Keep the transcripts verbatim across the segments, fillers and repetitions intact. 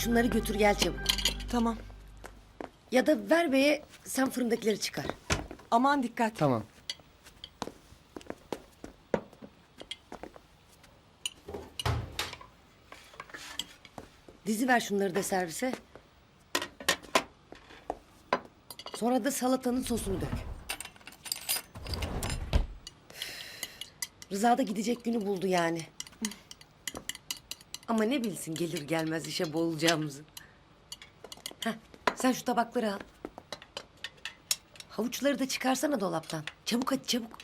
Şunları götür gel çabuk. Tamam. Ya da ver beye, sen fırındakileri çıkar. Aman dikkat. Tamam. Dizi ver şunları da servise. Sonra da salatanın sosunu dök. Rıza da gidecek günü buldu yani. Ama ne bilsin gelir gelmez işe boğulacağımızı. Heh, sen şu tabakları al. Havuçları da çıkarsana dolaptan. Çabuk hadi çabuk.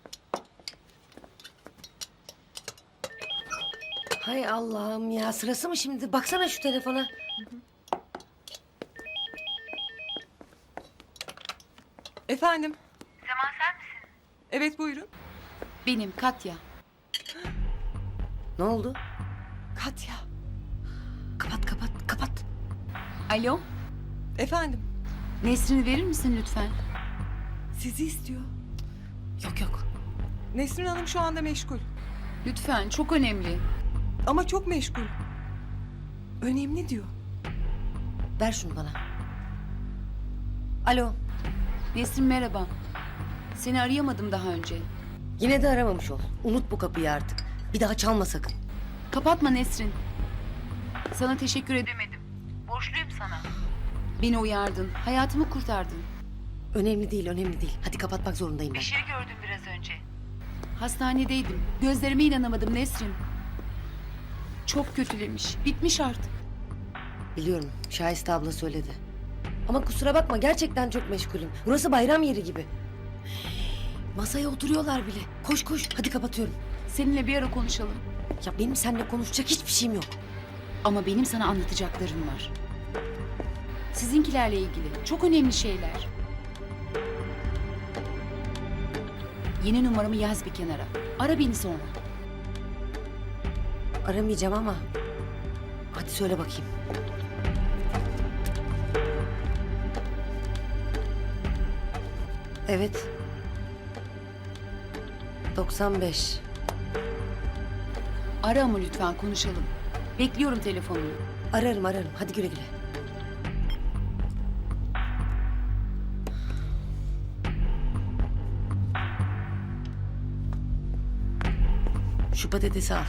Hay Allah'ım ya, sırası mı şimdi? Baksana şu telefona. Efendim? Sema sen misin? Evet buyurun. Benim Katya. Ne oldu? Katya. Kapat kapat kapat. Alo, Efendim? Nesrin'i verir misin lütfen? Sizi istiyor. Yok yok. Nesrin Hanım şu anda meşgul. Lütfen, çok önemli. Ama çok meşgul. Önemli diyor. Ver şunu bana. Alo. Nesrin merhaba. Seni arayamadım daha önce. Yine de aramamış ol. Unut bu kapıyı artık. Bir daha çalma sakın. Kapatma Nesrin. Sana teşekkür edemedim. Borçluyum sana. Beni uyardın, hayatımı kurtardın. Önemli değil, önemli değil. Hadi kapatmak zorundayım ben. şey gördüm biraz önce. Hastanedeydim. Gözlerime inanamadım Nesrin. Çok kötülemiş. Bitmiş artık. Biliyorum, Şahiste abla söyledi. Ama kusura bakma, gerçekten çok meşgulüm. Burası bayram yeri gibi. Masaya oturuyorlar bile. Koş koş, hadi kapatıyorum. Seninle bir ara konuşalım. Ya benim seninle konuşacak hiçbir şeyim yok. Ama benim sana anlatacaklarım var. Sizinkilerle ilgili. Çok önemli şeyler. Yeni numaramı yaz bir kenara. Ara beni sonra. Aramayacağım ama... Hadi söyle bakayım. Evet. doksan beş. Ara ama lütfen konuşalım. Bekliyorum telefonunu. Ararım ararım. Hadi güle güle. Şu patatesi al.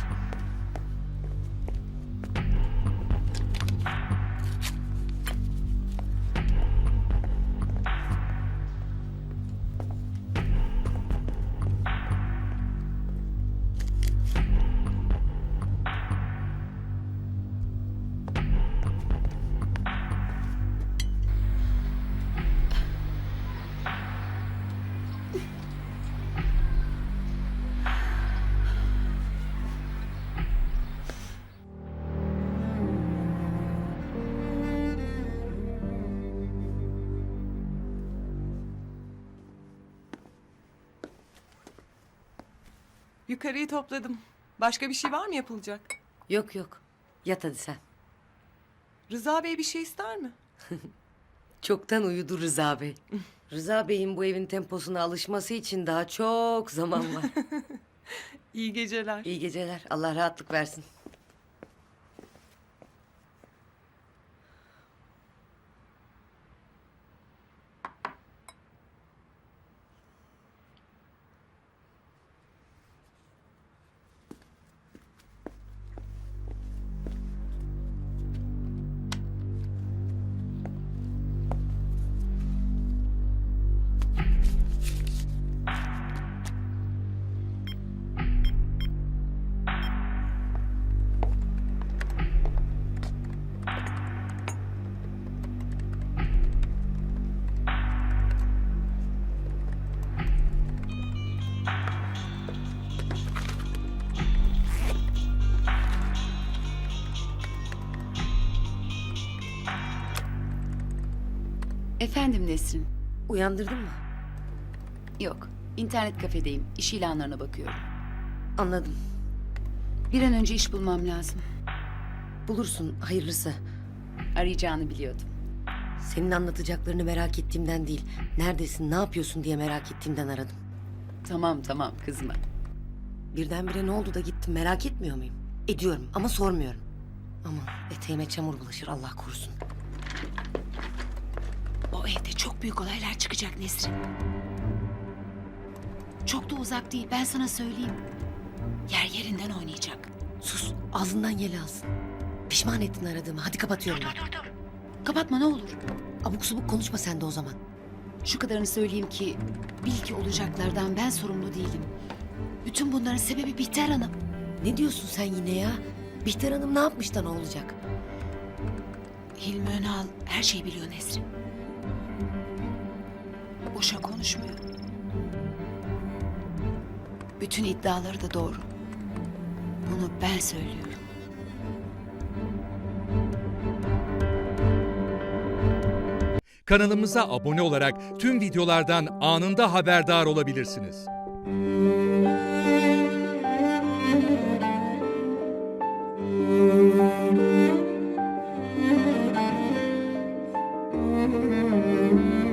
Yukarıyı topladım. Başka bir şey var mı yapılacak? Yok yok. Yat hadi sen. Rıza Bey bir şey ister mi? Çoktan uyudu Rıza Bey. Rıza Bey'in bu evin temposuna alışması için daha çok zaman var. İyi geceler. İyi geceler. Allah rahatlık versin. Efendim Nesrin. Uyandırdın mı? Yok. İnternet kafedeyim. İş ilanlarına bakıyorum. Anladım. Bir an önce iş bulmam lazım. Bulursun hayırlısı. Arayacağını biliyordum. Senin anlatacaklarını merak ettiğimden değil. Neredesin, ne yapıyorsun diye merak ettiğimden aradım. Tamam tamam kızma. Birdenbire ne oldu da gittim merak etmiyor muyum? Ediyorum ama sormuyorum. Aman eteğime çamur bulaşır Allah korusun. O evde çok büyük olaylar çıkacak Nesrin. Çok da uzak değil, ben sana söyleyeyim. Yer yerinden oynayacak. Sus ağzından yel alsın. Pişman ettin aradığımı. Hadi kapatıyorum ben. Dur dur. Kapatma ne olur. Abuk subuk konuşma sen de o zaman. Şu kadarını söyleyeyim ki bil ki olacaklardan ben sorumlu değilim. Bütün bunların sebebi Bihter Hanım. Ne diyorsun sen yine ya? Bihter Hanım ne yapmış da ne olacak? Hilmi Önal her şeyi biliyor Nesrin. Boşa konuşmuyor. Bütün iddiaları da doğru. Bunu ben söylüyorum. Kanalımıza abone olarak tüm videolardan anında haberdar olabilirsiniz. Müzik